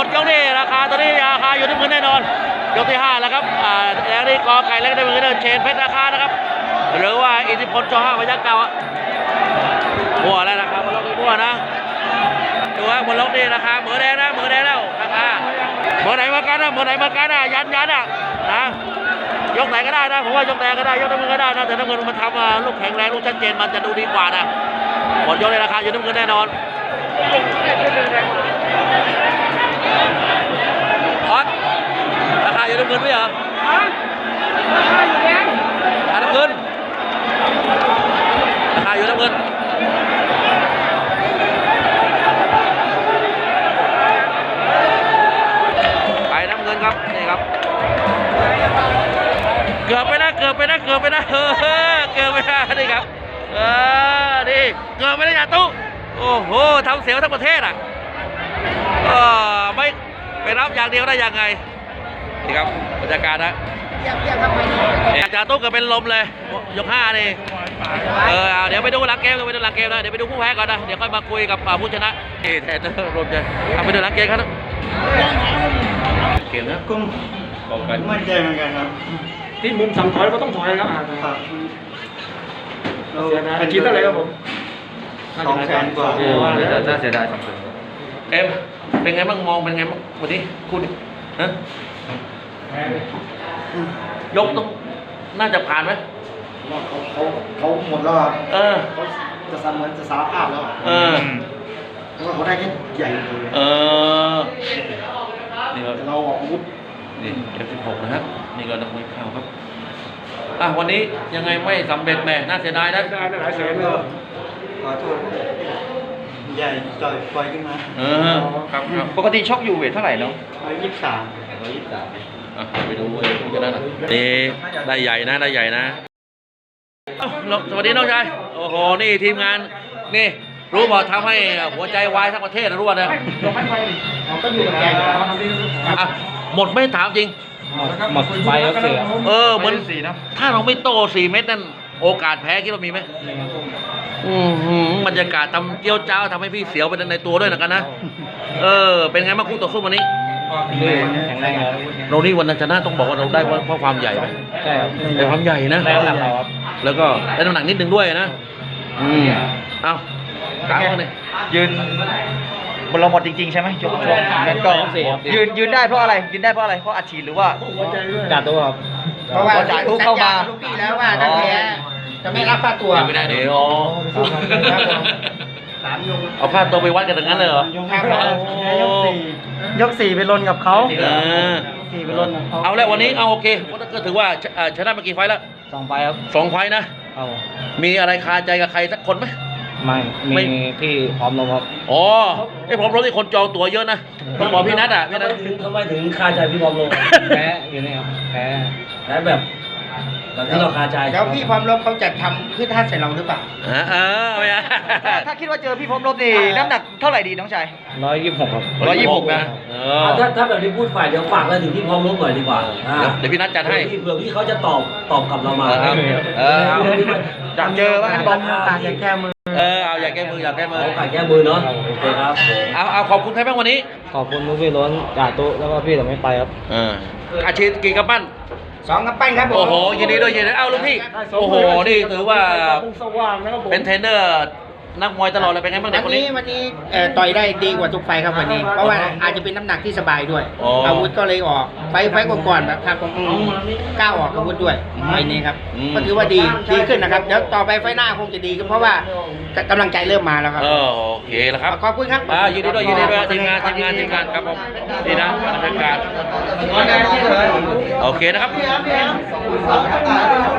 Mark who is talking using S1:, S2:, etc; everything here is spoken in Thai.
S1: ยกนี้ราคาตอนนี้ราคาอยู่ที่พื้นแน่นอนยกที่5แล้วครับแล้วนี่กอไก่เล็กได้มือเดินเชนเพชรราคานะครับหรือว่าอิทธิพลจ5พยัคฆ์เก่าบัวแล้วนะครับบนล็อกนี่บัวนะดูว่าบนล็อกนี่ราคาเหมือแดงนะเหมือแดงแล้วราคาเหมือไหนมากันนะเหมือไหนมากันนะยันอ่ะนะยกไหนก็ได้นะผมว่ายกไหนก็ได้ยกน้ำมือก็ได้นะแต่น้ำเงินมันทำลูกแข็งแรงลูกชัดเจนมันจะดูดีกว่านะหมดยกในราคาอยู่น้ำเงินแน่นอนออสราคาอยู่น้ำเงินไหมเหรอน้ำเงินราคาอยู่น้ำเงินไปน้ำเงินครับนี่ครับเกือบไปนะเกือบไปนะนี่ครับนี่เกือบไปนะอย่าตู้โอ้โหทำเสียวทั้งประเทศอ่ะไม่ไปรับอย่างเดียวได้ยังไงนี่ครับบรรยากาศนะจ่าตู้เกือบเป็นลมเลยยก5นี่เดี๋ยวไปดูหลังเกมนะเดี๋ยวไปดูผู้แพ้ก่อนนะเดี๋ยวค่อยมาคุยกับผู้ชนะแทนรวมใจไปดูหลังเกมครับเกมนะกุ้งมั่นใจเหมือนกันครับ
S2: ที่มุมสั่งถอยก็ต้องถอยครับอาชีพเท่าไหร่ครับผม
S3: 200,000 กว่า
S1: น่าเสียดายเอ็มเป็นไงบ้างมองเป็นไงบ้างวันนี้คุณฮะยกต้องน่าจะผ่านไหม
S3: เขาหมดแล้วครับ
S1: เขา
S3: จะเหมือนจะสารภาพแล้วเพราะว่าเขาได้แค่ใหญ่เลย
S1: นี่ก็
S3: เราออกอาวุธ
S1: นี่F16นะครับนี่ก็นักมวยเข่าครับวันนี้ยังไงไม่สำเร็จแม่น่าเสียดายนะ
S2: ได้หลายแสนเลย
S3: ขอโทษใหญ่ต่อยปล่อยขึ้นมา
S1: ครับ
S4: ปกติชกอยู่เวทเท่าไหร่เนาะ
S3: 123
S1: ไปดูผู้ชนะนะนี่ได้ใหญ่นะสวัสดีน้องชายโอ้โหนี่ทีมงานนี่รู้บอกทำให้หัวใจวายทั้งประเทศนะรู้ป่ะเนี่ย
S3: ก็อยู่กับแก
S1: หมดไม่ถามจริง
S4: หมดไปแล้วเสือ
S1: เหมือนถ้าเราไม่โต4 เม็ดนั่นโอกาสแพ้คิดว่ามีไหมบรรยากาศทำเกี้ยวเจ้าทำให้พี่เสียวไปในตัวด้วยกันนะเป็นไงบ้างคู่ต่อสู้วันนี้
S4: แข็งแรงแล้ว
S1: เรานี่วันนั้นชนะต้องบอกว่าเราได้เพราะความใหญ่ไหม
S4: ใช่ครับ
S1: ได้ความใหญ่นะ
S4: ได้น้ำหนักเราครับ
S1: แล้วก็ได้น้ำหนักนิดนึงด้วยนะเอาถามเขาเลย
S4: ยืนบนเราหมดจริงๆใช่ไหมช่วงนั้นก็ยืนได้เพราะอะไรเพราะอัดฉีดหรือว่าจ่าตัวครับ
S3: เพราะว่าจ่าตัวเข้ามาลูกพี่แล้วว่าถ้าแพ้จะไม่รับค่าตัว
S1: ไม่ได้เดี๋ยวเอาค่าตัวไปวัดกันอย่างนั้นเลยเหร
S4: อยก 4ไปลนกับเขา
S1: 4ไปลนเอาแล้ววันนี้เอาโอเคก็ถือว่าชนะมากี่ไฟแล้ว
S4: 2 ไฟครับ
S1: 2 ไฟนะมีอะไรคาใจกับใครสักคนไหม
S4: ไม่มีพี่พร้อมลงครับ
S1: พร้อมลงที่คนจองตั๋วเยอะนะต้องบอกพี่นัท
S4: ทำไมถึงคาใจพี่พร้อมลงแพ้อยู่นี่ครับแพ้แบบที่เราคาใจ
S3: แล้วพี่พร้อมลบเขาจะทำขึ้นท่าใส่เราหรือเปล่า
S4: ถ้าคิดว่าเจอพี่พร้อมลบนี่น้ำหนักเท่าไหร่ดีน้องชาย126ครับ126นะ
S2: ถ้าแบบที่พูดฝ่ายเดี๋ยวฝากอะไรถึงพี่พร้อมลบหน่อยดีกว่า
S1: เดี๋ยวพี่นัทจัดให้
S2: เผื่อพี่เขาจะตอบกลับเรามา
S4: อยากเจอว่าบอลอยากแก้มือ
S1: อยากแก้มือ
S2: แก้มือเนาะโอเคครับ
S1: เอาขอบคุณใครบ้างวันนี้
S4: ขอบคุณพี่ล้นจ่าตุ๊แล้วก็พี่แต่ไม่ไปครับ
S1: อาชีพกี่กำปั้น
S3: 2 กำปั้นครับ
S1: โอ้โหยินดีด้วยลูกพี่โอ้โหนี่ถือว่าเป็นเทรนเนอร์นักมวยตลอดเลยเป็นไงบ้างเด็กคนนี้
S3: วันนี้ต่อยได้ดีกว่าทุกไฟครับวันนี้เพราะว่าอาจจะเป็นน้ำหนักที่สบายด้วยอาวุธก็เลยออกไฟก่อนแบบทางผมก้าวออกอาวุธด้วยไฟนี้ครับก็ถือว่าดีขึ้นนะครับเดี๋ยวต่อไปไฟหน้าคงจะดีขึ้นเพราะว่ากำลังใจเริ่มมาแล้วครับ
S1: โอเคแล้วครับ
S3: ขอบคุณครับ
S1: ยินดีด้วยทีมงานครับผมนี่นะบรรยากาศโอเคนะครับ